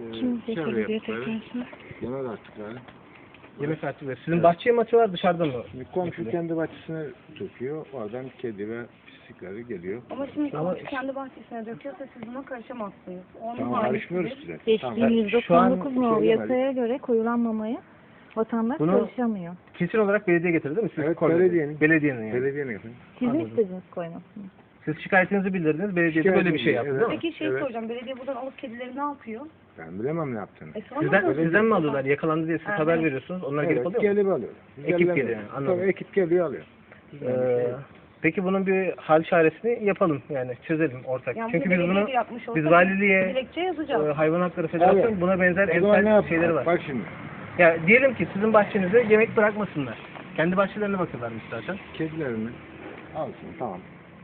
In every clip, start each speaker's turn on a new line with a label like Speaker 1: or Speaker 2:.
Speaker 1: Kim
Speaker 2: çevre
Speaker 1: belirliyor
Speaker 2: yaptıkları,
Speaker 1: tekrar?
Speaker 2: yemek artıkları.
Speaker 3: Yemek artık. Sizin bahçeye mi atıyorlar dışarıdan mı?
Speaker 2: Şimdi komşu kendi bahçesine döküyor. Oradan kedi ve pislikleri geliyor.
Speaker 4: Ama şimdi komşu kendi bahçesine döküyorsa siz buna karışamazsınız. Onun
Speaker 2: Tamam,
Speaker 4: hali
Speaker 2: karışmıyoruz
Speaker 4: sizin.
Speaker 2: size.
Speaker 1: Geçtiğimiz
Speaker 3: Şu an
Speaker 1: 99 nolu
Speaker 2: söylemedik.
Speaker 1: yasaya göre koyulan mamaya vatandaş
Speaker 3: Bunu-
Speaker 1: karışamıyor.
Speaker 3: Kesin olarak belediye getirdi değil mi? Siz
Speaker 2: Evet,
Speaker 3: koydunuz.
Speaker 2: belediyenin.
Speaker 3: Belediyenin yani.
Speaker 2: Belediyenin efendim.
Speaker 1: Siz mi
Speaker 3: Anladım.
Speaker 1: istediniz koymasını?
Speaker 3: Siz şikayetinizi bildirdiniz. Belediye de böyle bir şey yaptı
Speaker 2: Evet.
Speaker 3: değil mi?
Speaker 4: Peki şey
Speaker 2: Evet.
Speaker 4: soracağım. Belediye buradan alıp kedileri ne yapıyor?
Speaker 2: Ben bilemem ne yaptığını.
Speaker 3: Sizden mi alıyorlar? Yakalandı diye siz
Speaker 4: Evet.
Speaker 3: haber veriyorsunuz. Onlar gelip
Speaker 2: Evet,
Speaker 3: alıyor mu?
Speaker 2: gelip alıyor. Biz
Speaker 3: Ekip
Speaker 2: elden
Speaker 3: geliyor,
Speaker 2: alıyoruz.
Speaker 3: anladım.
Speaker 2: Tabii ekip geliyor alıyor.
Speaker 3: Peki bunun bir hal çaresini yapalım yani çözelim ortak.
Speaker 4: Yani
Speaker 3: Çünkü biz
Speaker 4: belediye
Speaker 3: bunu
Speaker 4: de yapmış
Speaker 3: biz
Speaker 4: olsa
Speaker 3: valiliğe
Speaker 4: dilekçe yazacağız.
Speaker 3: Hayvan Hakları Federasyonu
Speaker 2: Evet.
Speaker 3: buna benzer
Speaker 2: O zaman ne
Speaker 3: emsal
Speaker 2: yapalım?
Speaker 3: şeyleri var.
Speaker 2: Bak şimdi.
Speaker 3: Ya diyelim ki sizin bahçenize yemek bırakmasınlar. Kendi bahçelerine bakıyorlarmış zaten.
Speaker 2: Kedilerini alsın, tamam.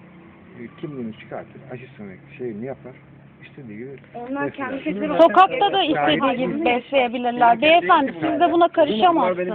Speaker 2: Kimliğini çıkartır, aşısını şeyini yapar. İstediği gibi.
Speaker 4: Onlar kendi
Speaker 2: Mesela-
Speaker 4: kedileri
Speaker 1: Sokakta da istediği gibi besleyebilirler. Beyefendi siz de buna karışamazsınız.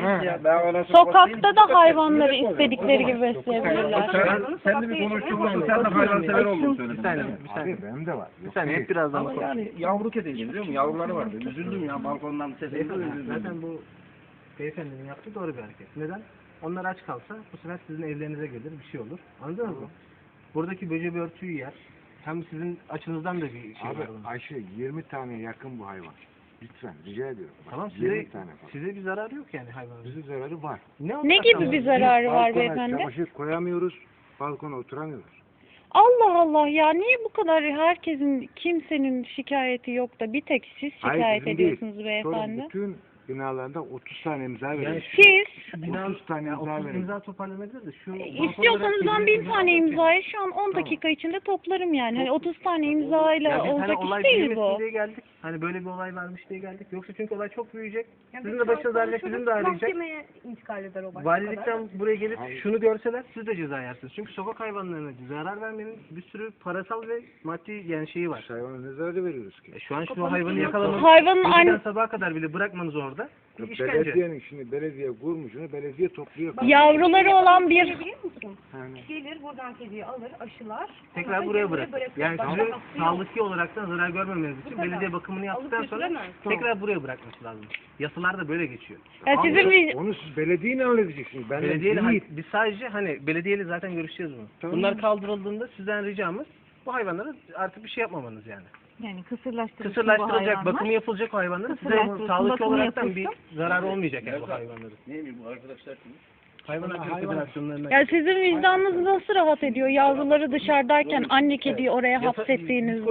Speaker 1: Sokakta da hayvanları istedikleri gibi besleyebilirler.
Speaker 5: Sen de bir konuştun, sen de hayvansever olduğunu söyledin.
Speaker 3: Bir saniye.
Speaker 2: Abi benim de var.
Speaker 3: Bir saniye hep birazdan
Speaker 5: Ama yani yavru kediydi biliyor musun? Yavruları vardı. Üzüldüm ya balkondan sesini üzüldüm.
Speaker 3: Zaten bu beyefendinin yaptığı doğru bir hareket. Neden? Onlar aç kalsa bu sefer sizin evlerinize gelir, bir şey olur. Anladınız mı? Buradaki böceği örtüyü yer. Hem sizin açınızdan da bir şey
Speaker 2: Abi
Speaker 3: var. bunun.
Speaker 2: Ayşe 20 tane yakın bu hayvan. Lütfen rica ediyorum. Bak,
Speaker 3: Tamam
Speaker 2: 20
Speaker 3: size,
Speaker 2: tane falan.
Speaker 3: size bir zararı yok yani hayvanın.
Speaker 2: Bize zararı var.
Speaker 1: Ne gibi bir zararı var
Speaker 2: Balkona
Speaker 1: beyefendi?
Speaker 2: çamaşır koyamıyoruz. Balkona oturamıyoruz.
Speaker 1: Allah Allah ya niye bu kadar herkesin kimsenin şikayeti yok da bir tek siz
Speaker 2: Hayır,
Speaker 1: şikayet
Speaker 2: bizim değil.
Speaker 1: ediyorsunuz
Speaker 2: Sonra
Speaker 1: beyefendi?
Speaker 2: bütün binalarda 30 tane imza
Speaker 3: Yani
Speaker 2: veriyoruz.
Speaker 1: Siz
Speaker 2: 30 tane imza
Speaker 3: 30
Speaker 2: veriyoruz.
Speaker 3: imza toparlanabilir de şu
Speaker 1: istiyorsanız ben 1000 tane imzayı şu an 10 dakika içinde toplarım yani. Hani 30 tane imzayla
Speaker 3: Ya biz hani
Speaker 1: olacak
Speaker 3: olay
Speaker 1: iş değil
Speaker 3: büyümesin
Speaker 1: bu.
Speaker 3: diye geldik. Hani böyle bir olay varmış diye geldik. Yoksa çünkü olay çok büyüyecek. Sizin de başınız ağrıyacak, bizim de ağrıyacak.
Speaker 4: Mahkemeye intikal eder o başka kadar.
Speaker 3: Valilikten buraya gelip şunu görseler siz de ceza yersiniz. Çünkü sokak hayvanlarına zarar vermenin bir sürü parasal ve maddi yani şeyi var.
Speaker 2: Hayvana ne zararı veriyoruz ki?
Speaker 3: Şu an şu hayvanı yakalamanız,
Speaker 1: Hayvanın
Speaker 3: geceden
Speaker 1: anne
Speaker 3: sabaha kadar bile bırakmanız orada. Bir işkence.
Speaker 2: Belediyenin şimdi belediye kurmuşunu belediye topluyor.
Speaker 1: yavruları olan bir
Speaker 4: Biliyor musun?
Speaker 2: Yani
Speaker 4: Gelir buradan kediyi alır, aşılar.
Speaker 3: Tekrar
Speaker 4: sonra
Speaker 3: buraya
Speaker 4: geri
Speaker 3: bırakın.
Speaker 4: bırakır.
Speaker 3: Yani
Speaker 4: Başka
Speaker 3: sizin
Speaker 4: kapısı yok.
Speaker 3: sağlıklı olaraktan zarar görmemeniz için
Speaker 4: kadar.
Speaker 3: belediye bakımını yaptıktan
Speaker 4: Alıp
Speaker 3: sonra
Speaker 4: götüremez.
Speaker 3: tekrar buraya bırakması lazım. Yasalar da böyle geçiyor.
Speaker 1: ya sizin bir
Speaker 2: onu siz belediyeyle halledeceksiniz. Ben
Speaker 3: Belediyeyle
Speaker 2: değil.
Speaker 3: biz sadece hani belediyeyle zaten görüşeceğiz bunu.
Speaker 2: Tamam.
Speaker 3: Bunlar kaldırıldığında sizden ricamız bu hayvanlara artık bir şey yapmamanız yani.
Speaker 1: yani kısırlaştırılacak
Speaker 3: Kısırlaştırılacak, bakımı yapılacak o hayvanların size
Speaker 1: Kısırlaştırılsın,
Speaker 3: sağlıklı
Speaker 1: bakımı
Speaker 3: olaraktan bir
Speaker 1: yapılsın.
Speaker 3: zararı olmayacak yani bu hayvanların.
Speaker 5: Neymiş bu arkadaşlar kim?
Speaker 3: Hayvan Hakları Federasyonlarına.
Speaker 1: Ya sizin vicdanınız nasıl rahat ediyor yavruları dışarıdayken anne kediyi oraya hapsettiğinizde?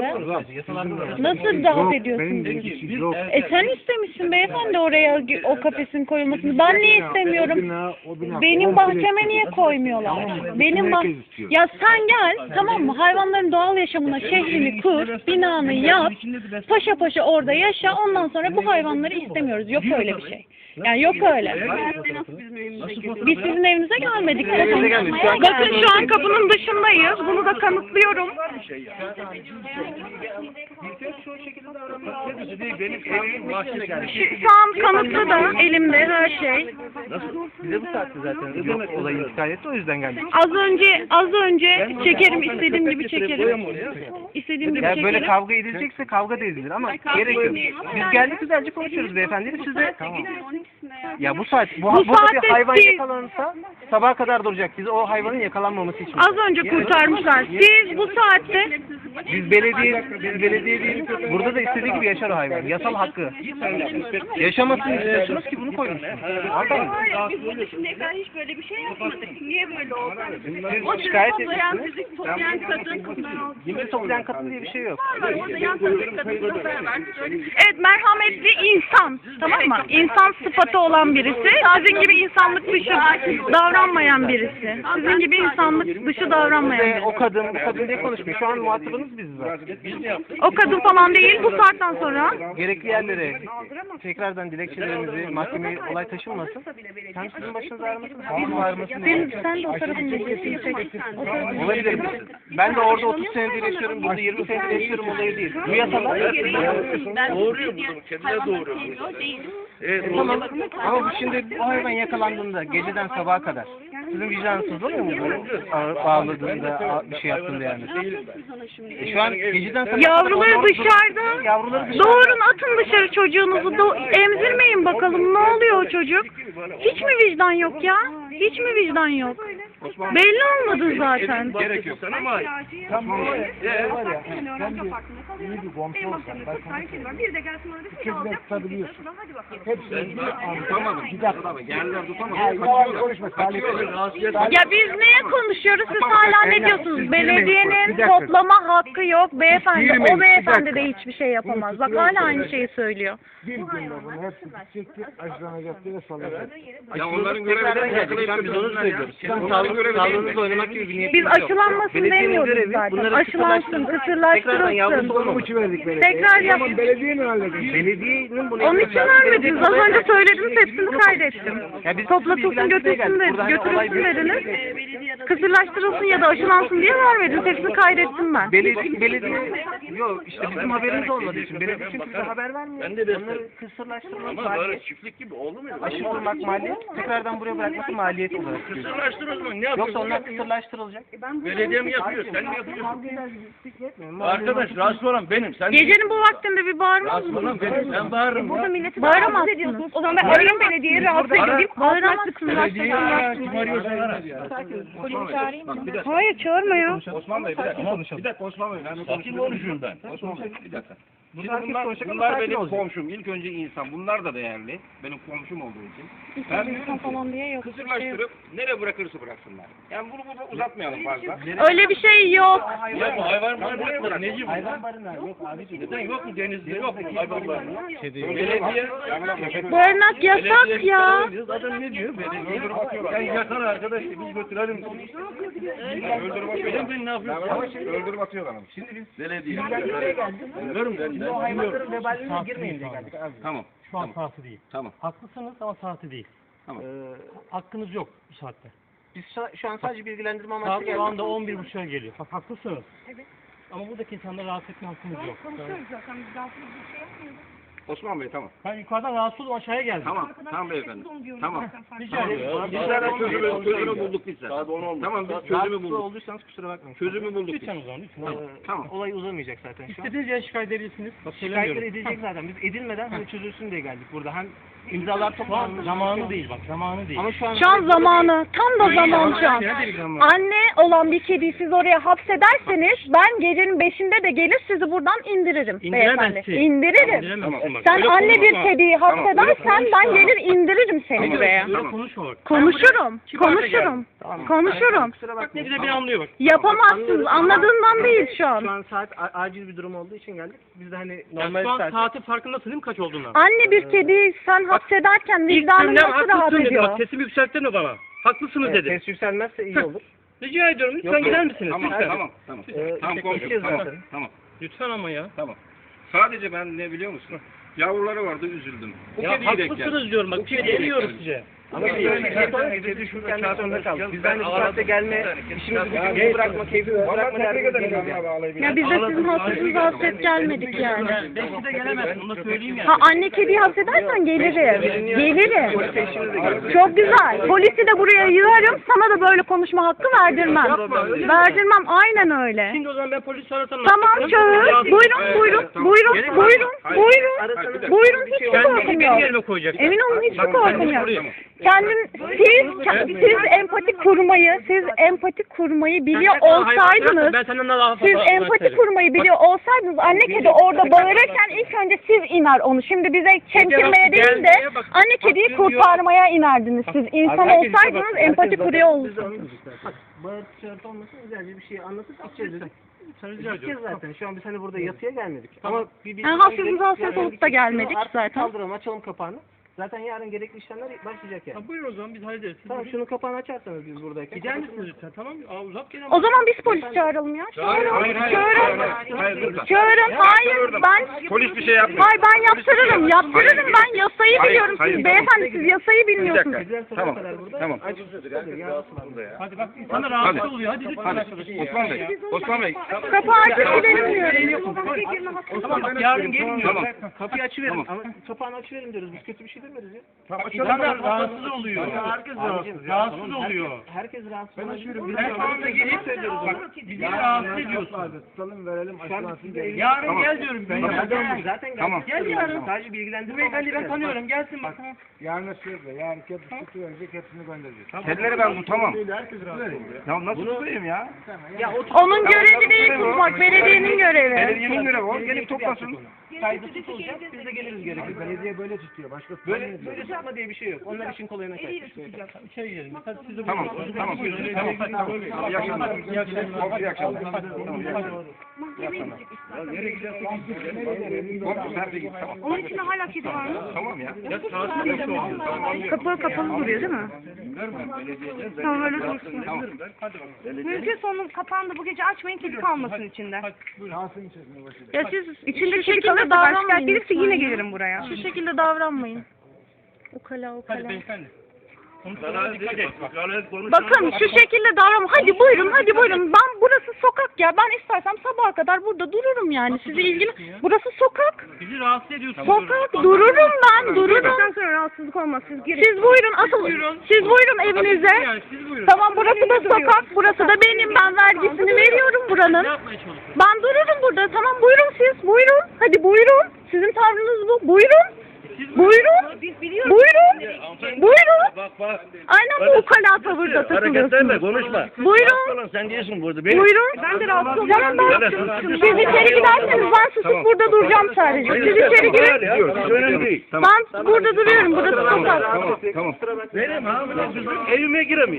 Speaker 1: Nasıl rahat ediyorsunuz?
Speaker 2: Benim yok.
Speaker 1: Sen istemişsin beyefendi oraya o kafesin koyulmasını. Ben niye istemiyorum? Benim bahçeme niye koymuyorlar? Benim ya sen gel tamam mı? Hayvanların doğal yaşamına şehrini kur, binanı yap, paşa paşa orada yaşa. Ondan sonra bu hayvanları istemiyoruz. Yok öyle bir şey. Yani yok öyle. Biz sizin evinize gelmedik. Bakın şu an kapının dışındayız. Bunu da kanıtlıyorum.
Speaker 5: Benim evimin bahçene geldi.
Speaker 1: Şu an kanıtlı da elimde her şey.
Speaker 3: Bize bu saatte zaten yok olayı intikal etti o yüzden geldik.
Speaker 1: Az önce çekerim istediğim gibi çekerim. İstediğim gibi
Speaker 3: Ya böyle
Speaker 1: çekerim.
Speaker 3: kavga edilecekse kavga da edilir ama gerek yok. Biz geldik güzelce konuşuyoruz beyefendi. Siz de ya bu saat burada
Speaker 1: saatte
Speaker 3: bir hayvan
Speaker 1: siz-
Speaker 3: yakalanırsa sabaha kadar duracak. Biz o hayvanın yakalanmaması için.
Speaker 1: Az önce kurtarmışlar. Siz bu saatte
Speaker 3: Biz belediye değil. Burada da istediği gibi yaşar o hayvan. Yasal hakkı. Yaşamasını istiyorsunuz ki bunu koymuşsunuz. Anladın mı?
Speaker 4: Biz burada şimdiye kadar hiç böyle bir şey yapmadık. Niye böyle oldu?
Speaker 3: Siz şikayet ediyorsunuz.
Speaker 4: Fizik toplayan kadın.
Speaker 3: Yemin toplayan kadın diye bir şey yok.
Speaker 4: Orada yan taraftaki kadınla beraber
Speaker 1: evet merhametli insan tamam mı? İnsan sıfatı olan birisi. Sizin gibi insanlık dışı davranmayan birisi. Sizin gibi insanlık dışı davranmayan
Speaker 3: Ve
Speaker 1: birisi.
Speaker 3: o kadın diye konuşmuyor. Şu an muhatabınız biziz zaten.
Speaker 1: O kadın falan değil bu saatten sonra.
Speaker 3: Gerekli yerlere tekrardan dilekçelerimizi mahkemeye olay taşınmasın. Hem sizin başınız ağrımasın hem bizim ağrımasın.
Speaker 1: Sen de o tarafın bilgisini çek.
Speaker 3: Olabilir. Ben de orada 30 senedir yaşıyorum, burada 20 senedir yaşıyorum olayı değil. Bu yasalar.
Speaker 5: Doğuruyor bunu. Kendileri doğuruyor.
Speaker 3: Tamam. Ama bu şimdi o hayvan yakalandığında geceden yarın sabaha kadar. Sizin vicdanınız oluyor mu böyle bağladığında bir şey yaptığında yani? Şu an geceden sabah
Speaker 1: Yavruları dışarıda.
Speaker 3: Yavruları dışarıda.
Speaker 1: Doğurun, atın dışarı çocuğunuzu. Emzirmeyin bakalım, ne oluyor o çocuk? Hiç mi vicdan yok ya? Hiç mi vicdan yok? Belli olmadı zaten.
Speaker 5: Gerek yok ama
Speaker 2: İyi bir komşu olsan. Ben sana söyleyeyim. Çocuklar tutabiliyorsun. Hepsini
Speaker 5: tutamadım. Bir dakika. Yerler tutamadım.
Speaker 2: Yalan konuşma.
Speaker 1: Ya biz neye konuşuyoruz? Siz hala ne diyorsunuz? Belediyenin toplama hakkı yok beyefendi. O beyefendi de hiçbir şey yapamaz. Bak hala aynı şeyi söylüyor.
Speaker 2: Bir günde bunu hepsi bitecekti. Aşılanacaktı ve salacaktı.
Speaker 5: Ya onların görevi de
Speaker 3: Biz onu söylüyoruz. Sağlığınızla oynamak gibi bir niyet
Speaker 1: Biz
Speaker 3: yok.
Speaker 1: aşılanmasın
Speaker 3: Belediyenin
Speaker 1: demiyoruz
Speaker 3: görevi
Speaker 1: zaten.
Speaker 3: bunları
Speaker 1: Aşılansın,
Speaker 3: tekrardan yavrusu
Speaker 1: kısırlaştırılsın.
Speaker 3: olmamak.
Speaker 2: Uçu verdik belediye.
Speaker 1: Tekrar yap.
Speaker 2: Ama belediye mi halledecek?
Speaker 3: Belediyenin bunu
Speaker 1: Onun için vermediniz. Az önce söylediniz, hepsini kaydettim.
Speaker 3: Ya biz
Speaker 1: Toplatılsın, götürsün dediniz. Kısırlaştırılsın ya da aşılansın diye vermediniz. Hepsini kaydettim ben.
Speaker 3: Belediye yok işte bizim haberimiz olmadığı için belediye çünkü bize haber vermiyor. Onları kısırlaştırmak maliyet.
Speaker 5: çiftlik gibi oldu mu?
Speaker 3: Aşılamak maliyet. Tekrardan buraya bırakması maliyet olarak görüyoruz.
Speaker 5: Kısırlaştır o zaman. Ne yapıyorsun?
Speaker 3: Yoksa onlar kısırlaştırılacak.
Speaker 5: Belediye mi yapıyor? Sen mi yapıyorsun? Arkadaş rahatsız olan benim. Sen
Speaker 1: Gecenin bu vaktinde bir bağırmaz
Speaker 5: rahatsız
Speaker 1: mısınız?
Speaker 5: olan benim. Ben bağırırım.
Speaker 1: Bağıramazsınız.
Speaker 4: O zaman ben arayayım belediyeyi rahatsız edeyim.
Speaker 1: Bağıramazsınız.
Speaker 5: Belediye ya. Kim arıyorsa ara. Bak bir dakika.
Speaker 1: Hayır, çağırma ya.
Speaker 5: Osman Bey bir dakika. Bir dakika Osman Bey. Sakin konuşuyorum ben. Osman Bey bir dakika. Şimdi bunlar benim komşum. İlk önce insan. Bunlar da değerli. Benim komşum olduğu için. Ben
Speaker 1: İnsan falan diye yok.
Speaker 5: kısırlaştırıp nereye bırakırsa bıraksınlar. Yani bunu burada uzatmayalım fazla.
Speaker 1: Öyle bir şey yok.
Speaker 5: Ya bu hayvan barınakları neci bu?
Speaker 3: Hayvan barınağı yok abiciğim.
Speaker 5: Neden yok mu denizde yok mu hayvan barınağı? Belediye.
Speaker 1: Barınak yasak ya.
Speaker 5: Adam ne diyor? Belediye. Öldürüp atıyorlar. Sen yakar arkadaş biz götürelim. Öldürüp atıyorlar. Ben ne yapıyorsun? Öldürüp atıyorlar. Şimdi biz belediye. Biliyorum ben.
Speaker 3: O hayvanların vebaline girmeyin diye geldik abi.
Speaker 5: Tamam.
Speaker 6: Şu an saati değil.
Speaker 5: Tamam.
Speaker 6: Haklısınız ama saati değil.
Speaker 5: Tamam.
Speaker 6: Hakkınız yok bu saatte.
Speaker 3: Biz şu an sadece bilgilendirme
Speaker 6: Saat
Speaker 3: amaçlı
Speaker 6: şu
Speaker 3: geldik.
Speaker 6: anda 11.30'a geliyor. Bak haklısınız. Evet. Ama buradaki insanları rahatsız etme hakkınız yok.
Speaker 5: Osman Bey tamam.
Speaker 6: Ben yukarıdan rahatsız oldum, aşağıya geldim.
Speaker 5: Tamam. Tamam beyefendi. Tamam.
Speaker 6: Rica ederim.
Speaker 5: Biz zaten çözümü bulduk biz zaten. Tamam biz çözümü
Speaker 3: Rahatsız
Speaker 5: bulduk.
Speaker 3: olduysanız kusura bakmayın.
Speaker 5: Çözümü bulduk biz.
Speaker 6: Lütfen o zaman lütfen.
Speaker 5: Tamam.
Speaker 3: Olay uzamayacak zaten şu an.
Speaker 6: İstediğiniz yere şikayet edebilirsiniz. Bak
Speaker 3: Şikayetler
Speaker 6: söylemiyorum.
Speaker 3: edilecek zaten. Biz edilmeden hani çözülsün diye geldik burada. Hem imzalar
Speaker 6: Şu an
Speaker 3: toplandı.
Speaker 6: zamanı değil bak, zamanı değil.
Speaker 3: Ama şu an...
Speaker 1: Şu an zamanı. Tam da zaman şu an. Anne olan bir kediyi siz oraya hapsederseniz ben gecenin 5'inde de gelir sizi buradan indiririm beyefendi.
Speaker 6: İndiremezsin.
Speaker 1: İndiririm.
Speaker 6: İndiremezsin bak.
Speaker 1: Sen
Speaker 5: Öyle
Speaker 1: anne bir
Speaker 5: konuşma.
Speaker 1: kediyi hapsedersen ben gelir indiririm seni
Speaker 6: Öyle
Speaker 1: buraya.
Speaker 6: konuşma bak.
Speaker 1: Konuşurum. Konuşurum.
Speaker 3: Kusura
Speaker 6: Ne
Speaker 3: bakmayın.
Speaker 6: güzel beni anlıyor bak.
Speaker 1: Yapamazsınız. Anladığından değil şu
Speaker 3: Şu
Speaker 1: an.
Speaker 3: an saat acil bir durum olduğu için geldik. Biz de hani
Speaker 6: Yani
Speaker 3: normal
Speaker 6: şu an
Speaker 3: saat...
Speaker 6: saatin farkındasın değil mi kaç olduğundan?
Speaker 1: Anne bir kediyi sen hapsederken
Speaker 6: İlk
Speaker 1: vicdanın
Speaker 6: günden
Speaker 1: nasıl rahat
Speaker 6: haklısın dedi bak,
Speaker 1: ediyor?
Speaker 6: sesimi yükselttirme bana. Haklısınız dedi.
Speaker 3: Ses yükselmezse iyi olur.
Speaker 6: Rica ediyorum lütfen
Speaker 3: Yok,
Speaker 6: gider misiniz?
Speaker 5: Tamam
Speaker 6: Lütfen.
Speaker 5: tamam tamam. Tamam
Speaker 3: Gideceğiz
Speaker 5: komşum tamam.
Speaker 3: zaten.
Speaker 5: Tamam.
Speaker 6: Lütfen ama ya.
Speaker 5: Tamam. Sadece ben ne biliyor musun? Yavruları vardı üzüldüm. Bu
Speaker 6: Ya
Speaker 5: kediyi denk
Speaker 6: haklısınız diyorum bak, bir şey demiyoruz size.
Speaker 3: Ama biz öyle bir şey sonra gece düşürken de zorunda kaldık. Biz hani bu saatte gelme, işimizi gücümüzü bırakma, keyfimizi bırakma derdine geliyoruz yani.
Speaker 1: Ya biz de sizin hasretinize hasret gelmedik yani.
Speaker 6: Belki de gelemezsin, onu da söyleyeyim yani.
Speaker 1: Ha anne kediyi hapsedersen gelirim. Gelirim.
Speaker 3: Polise işimiz de geldi.
Speaker 1: Çok güzel. Polisi de buraya yığarım. Sana da böyle konuşma hakkı verdirmem. Verdirmem. Aynen öyle.
Speaker 6: Şimdi o zaman ben polis arasam.
Speaker 1: Tamam çağır. Buyurun buyurun. Buyurun. Buyurun. Buyurun. Buyurun. Hiç korkum
Speaker 6: Benim
Speaker 1: yok.
Speaker 6: yerime koyacak.
Speaker 1: Emin olun hiç korkum yok. Siz empati kurmayı biliyor olsaydınız,
Speaker 6: Ben senden daha fazla
Speaker 1: siz empati kurmayı biliyor olsaydınız anne kedi orada bağırırken ilk önce siz iner onu. Şimdi bize çemkirmeye değil de anne kediyi kurtarmaya inerdiniz. Siz insan olsaydınız empati kuruyor olurdunuz.
Speaker 3: Bağırtı çağırtı olmasın, güzelce bir şey anlatıp gideceğiz dedik.
Speaker 6: Sen rica
Speaker 3: Gideceğiz
Speaker 6: ediyorum.
Speaker 3: zaten. Şu an biz hani burada yatıya gelmedik. Ama bir
Speaker 1: Yani hafifimiz hasret olup da gelmedik zaten.
Speaker 3: Kaldıralım, açalım kapağını. Zaten yarın gerekli işlemler başlayacak yani.
Speaker 6: Ya buyurun o zaman biz hallederiz. Siz
Speaker 3: Tamam
Speaker 6: buyurun.
Speaker 3: şunun kapağını açarsanız biz buradayken.
Speaker 6: Gider misiniz lütfen tamam mı? Aa, uzak gel
Speaker 1: O zaman biz polis çağıralım ya.
Speaker 5: Hayır, hayır, hayır.
Speaker 1: Çağırın. Çağırın. Hayır ben...
Speaker 5: Polis bir şey yapmıyor.
Speaker 1: Hayır ben yaptırırım. Yaptırırım ben. Yasayı
Speaker 5: Hayır,
Speaker 1: biliyorum.
Speaker 5: hayır.
Speaker 1: Siz beyefendi siz yasayı
Speaker 5: Bir
Speaker 1: bilmiyorsunuz.
Speaker 5: dakika. Tamam. Tamam.
Speaker 6: Hadi bak insanlar rahatsız oluyor. Hadi lütfen
Speaker 5: Hadi.
Speaker 6: arkadaşlar.
Speaker 5: Osman Bey. Osman Bey.
Speaker 1: Kapağı açıp gidelim diyorum.
Speaker 6: Tamam bak yarın gelin diyorum.
Speaker 5: Tamam.
Speaker 3: Kapıyı açıverin
Speaker 5: Tamam.
Speaker 3: ama kapağını açıverin diyoruz. Biz kötü bir şey açabiliriz ya.
Speaker 5: İnsanlar rahatsız oluyor.
Speaker 3: Herkes
Speaker 5: rahatsız oluyor.
Speaker 3: Herkes rahatsız oluyor.
Speaker 5: Ben şu anda gelip söylüyoruz. Bak, bizi rahatsız ediyorsun.
Speaker 2: Tutalım verelim aşılansın gelin.
Speaker 5: Yarın gel diyorum.
Speaker 3: Zaten
Speaker 2: Tamam.
Speaker 3: gel yarın. Sadece bilgilendirme
Speaker 6: Beyefendi ben tanıyorum. Gelsin bak.
Speaker 2: Yarın söyle. Yarın kepsi verecek hepsini göndereceğiz.
Speaker 5: Kedileri ben tutamam.
Speaker 2: Herkes rahatsız oluyor.
Speaker 5: Ya nasıl tutayım ya?
Speaker 1: Onun görevi değil tutmak, belediyenin görevi.
Speaker 5: Belediyenin görevi o. Gelip toplasın.
Speaker 3: Kaydı tutulacak. Biz de geliriz gerekirse.
Speaker 2: Belediye böyle tutuyor. Başka
Speaker 3: Böyle tutma diye bir şey yok. Onlar için kolayına kaçmış.
Speaker 6: İçeri girelim. Hadi siz de
Speaker 5: Tamam. Tamam. Tamam. İyi akşamlar. İyi akşamlar. İyi akşamlar. Nereye gidiyorsun? Nerede git? Tamam.
Speaker 4: Onun içinde hala kedi var mı?
Speaker 5: Tamam ya.
Speaker 4: Kapı kapalı duruyor değil mi? Tamam öyle dursun.
Speaker 5: Tamam.
Speaker 4: Mümkünse onun kapağını da bu gece açmayın, kedi kalmasın içinde.
Speaker 2: şansın içerisinde başlıyor.
Speaker 1: Ya siz
Speaker 4: İçinde
Speaker 1: şu
Speaker 4: kedi
Speaker 1: şekilde
Speaker 4: kalırsa başka
Speaker 1: davranmayın.
Speaker 4: gelirse yine gelirim buraya.
Speaker 1: Şu şekilde davranmayın. Ukala ukala.
Speaker 6: Hadi beyefendi.
Speaker 1: Bakın şu şekilde davranma. Hadi buyurun, hadi buyurun. Ben burası sokak ya. Ben istersem sabaha kadar burada dururum yani. Sizi ilgili. Burası sokak.
Speaker 6: Bizi rahatsız ediyorsunuz.
Speaker 1: Sokak. Dururum ben, dururum.
Speaker 4: Bundan sonra rahatsızlık olmaz. Siz girin.
Speaker 1: Siz buyurun, asıl siz buyurun evinize.
Speaker 6: Yani siz buyurun.
Speaker 1: Tamam, burası da sokak, burası da benim. Ben vergisini veriyorum
Speaker 6: Ne
Speaker 1: buranın.
Speaker 6: yapmaya çalışıyorsunuz?
Speaker 1: Ben dururum burada. Tamam, buyurun siz. Buyurun. Hadi buyurun. Sizin tavrınız bu. Buyurun. Buyurun. Buyurun. Buyurun. Aynen bu ukala tavırda takılıyorsunuz.
Speaker 5: Konuşma.
Speaker 1: Buyurun.
Speaker 5: Sen diyorsun burada.
Speaker 1: Buyurun. Ben de rahatsız olacağım. Siz içeri giderseniz ben susup burada duracağım sadece. Siz içeri girin.
Speaker 5: Önemli değil.
Speaker 1: Ben burada duruyorum. Burası sokak.
Speaker 5: Tamam. Benim hamile kızım evime giremiyor.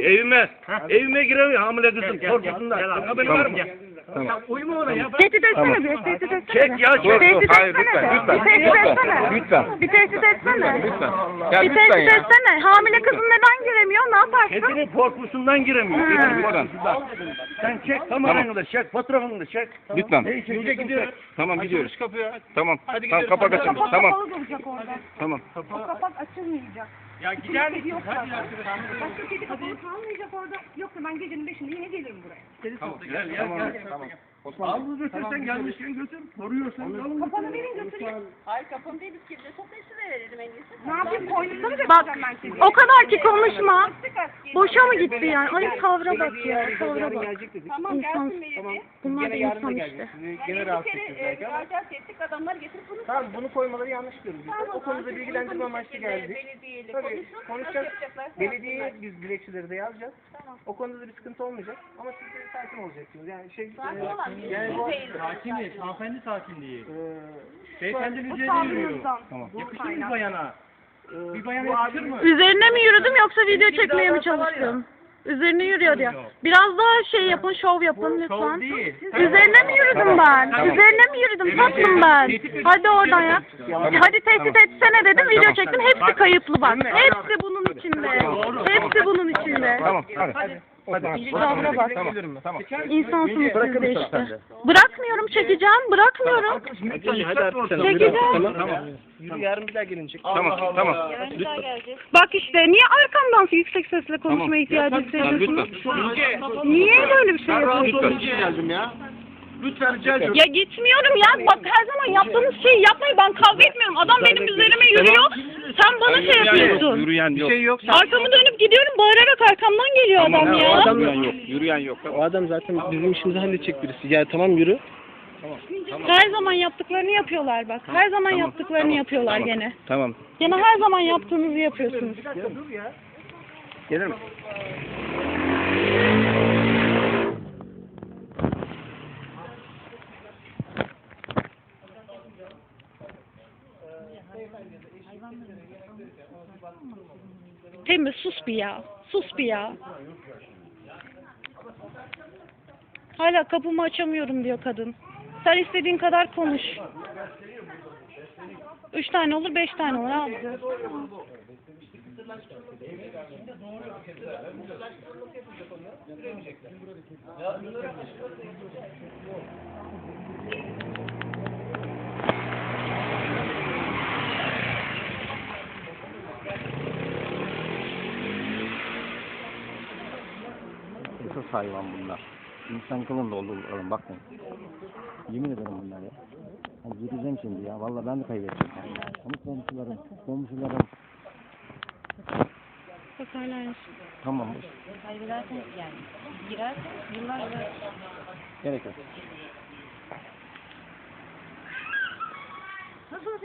Speaker 5: Evime giremiyor hamile kızım. Korkusundan. Haberin var mı?
Speaker 6: Uyuma ona ya.
Speaker 1: Tehdit etsene bir. Tehdit etsene.
Speaker 5: Çek ya, çek.
Speaker 1: Tehdit
Speaker 2: Hayır,
Speaker 1: etsene.
Speaker 2: lütfen,
Speaker 1: Bir tehdit etsene.
Speaker 2: Lütfen.
Speaker 1: Bir tehdit etsene.
Speaker 2: Lütfen. Ya
Speaker 1: Bir
Speaker 2: lütfen
Speaker 1: tehdit
Speaker 2: ya.
Speaker 1: etsene. Hamile kızın neden giremiyor? Ne yaparsın?
Speaker 5: Kedinin korkusundan giremiyor.
Speaker 1: Ha.
Speaker 5: Kedinin korkusundan. Sen çek kameranı da çek. Fotoğrafını da çek.
Speaker 2: Lütfen.
Speaker 6: Yürüye gidiyoruz.
Speaker 2: Tamam gidiyoruz.
Speaker 6: Açılış kapıyı.
Speaker 2: Tamam.
Speaker 6: Hadi
Speaker 2: Tamam
Speaker 6: gidiyoruz.
Speaker 2: kapak açın.
Speaker 4: Kapak
Speaker 2: Tamam.
Speaker 4: kapalı duracak orada.
Speaker 2: Tamam.
Speaker 4: O kapak açılmayacak.
Speaker 6: Ya gider misin?
Speaker 4: Yok
Speaker 6: Hadi
Speaker 4: zaten.
Speaker 6: arkadaşlar.
Speaker 4: Başka kedi kapalı kalmayacak orada. Yoksa ben gecenin 5'inde yine gelirim buraya.
Speaker 5: Gel.
Speaker 2: Tamam.
Speaker 5: Al bunu götür sen gelmişken götür. Koruyorsan al.
Speaker 4: Kapanı verin götüreyim.
Speaker 7: Hayır kapım değil, biz kimde toplayışı verelim en iyisi.
Speaker 4: Ne yapayım, koynumda mı
Speaker 1: Bak
Speaker 4: götüreceğim ben kediyi?
Speaker 1: o kadar ki konuşma. Boşa mı gitti yani? Ay tavra bak ya. Tavra
Speaker 3: Yarın
Speaker 1: bak.
Speaker 3: gelecek dedik.
Speaker 7: Tamam
Speaker 1: İnsan.
Speaker 7: gelsin belediye.
Speaker 1: Bunlar da
Speaker 3: Gene yarın da
Speaker 1: insan
Speaker 3: gelecek.
Speaker 1: işte.
Speaker 3: Sizi
Speaker 7: Yani
Speaker 3: gene
Speaker 7: bir
Speaker 3: rahatsız
Speaker 7: kere
Speaker 3: edeceğiz belki ama.
Speaker 7: müracaat ettik, adamlar getirip bunu
Speaker 3: Tamam bunu koymaları yanlış diyoruz biz. O konuda bilgilendirme amaçlı geldik.
Speaker 7: belediyeyle
Speaker 3: Tabii
Speaker 7: konuşun. Nasıl
Speaker 3: konuşacağız.
Speaker 7: yapacaklar?
Speaker 3: Belediyeye biz dilekçeleri de yazacağız. O konuda da bir sıkıntı olmayacak. Ama siz de sakin olacaksınız. Yani
Speaker 7: Sakin olan bir
Speaker 3: yani bu
Speaker 6: Sakin değil. Hanımefendi sakin değil.
Speaker 3: eee
Speaker 6: Beyefendi
Speaker 4: Bu
Speaker 6: üzerine yürüyor.
Speaker 4: tavrınızdan.
Speaker 6: Yakışır mı bir bayana? Bir bayana
Speaker 3: bu
Speaker 6: yakışır
Speaker 3: abi-
Speaker 6: mı?
Speaker 1: Üzerine mi yürüdüm yoksa video çekmeye mi çalıştım? Üzerine yürüyor ya. Biraz daha şey yapın, şov yapın
Speaker 6: Şov
Speaker 1: lütfen.
Speaker 6: değil.
Speaker 1: Üzerine mi yürüdüm ben? Üzerine mi yürüdüm tatlım ben? Hadi oradan ya. Hadi tehdit etsene dedim, video çektim. Hepsi kayıtlı bak. Hepsi bunun içinde. Hepsi bunun içinde.
Speaker 2: Tamam. Hadi. Hadi.
Speaker 1: Tavra bak.
Speaker 2: Tamam.
Speaker 1: İnsansınız siz de işte. Bırakmıyorum, çekeceğim. Bırakmıyorum. Çekeceğim.
Speaker 3: Yürü yarın bir daha gelinecek.
Speaker 2: Tamam.
Speaker 7: Yarın bir daha gelecek.
Speaker 1: Bak işte niye arkamdan yüksek sesle konuşmaya ihtiyacı hissediyorsunuz? Niye böyle bir şey yapıyorsunuz?
Speaker 5: geldim ya. Lütfen rica ediyorum.
Speaker 1: Ya gitmiyorum ya. Bak her zaman yaptığınız şeyi yapmayın. Ben kavga etmiyorum. Adam benim üzerime yürüyor. Sen bana şey yapıyorsun.
Speaker 2: Yürüyen yok.
Speaker 3: Şey yok.
Speaker 1: Arkamı dönüp gidiyorum. Bağırarak arkamdan geliyor adam ya.
Speaker 2: Yürüyen yok. Yürüyen yok.
Speaker 3: O adam zaten bizim işimizi halledecek birisi. Ya tamam yürü.
Speaker 1: Her zaman yaptıklarını yapıyorlar bak. Her zaman yaptıklarını yapıyorlar gene.
Speaker 2: Tamam.
Speaker 1: Gene her zaman yaptığınızı yapıyorsunuz.
Speaker 3: Dur ya.
Speaker 2: Gelir mi?
Speaker 1: Temiz sus bir ya. Sus bir ya. Hala kapımı açamıyorum diyor kadın. Sen istediğin kadar konuş. 3 tane olur, 5 tane olur abi.
Speaker 2: Esas hayvan bunlar. İnsan kılığında olduklarım bakmayın. Yemin ederim bunlar ya. Hani yürüyeceğim şimdi ya. Vallahi ben de kaybedeceğim. Ama komşularım
Speaker 1: Bak hala aynı.
Speaker 5: Tamam.
Speaker 7: Kaybederseniz yani. Girersen yıllarca
Speaker 5: Gerek yok.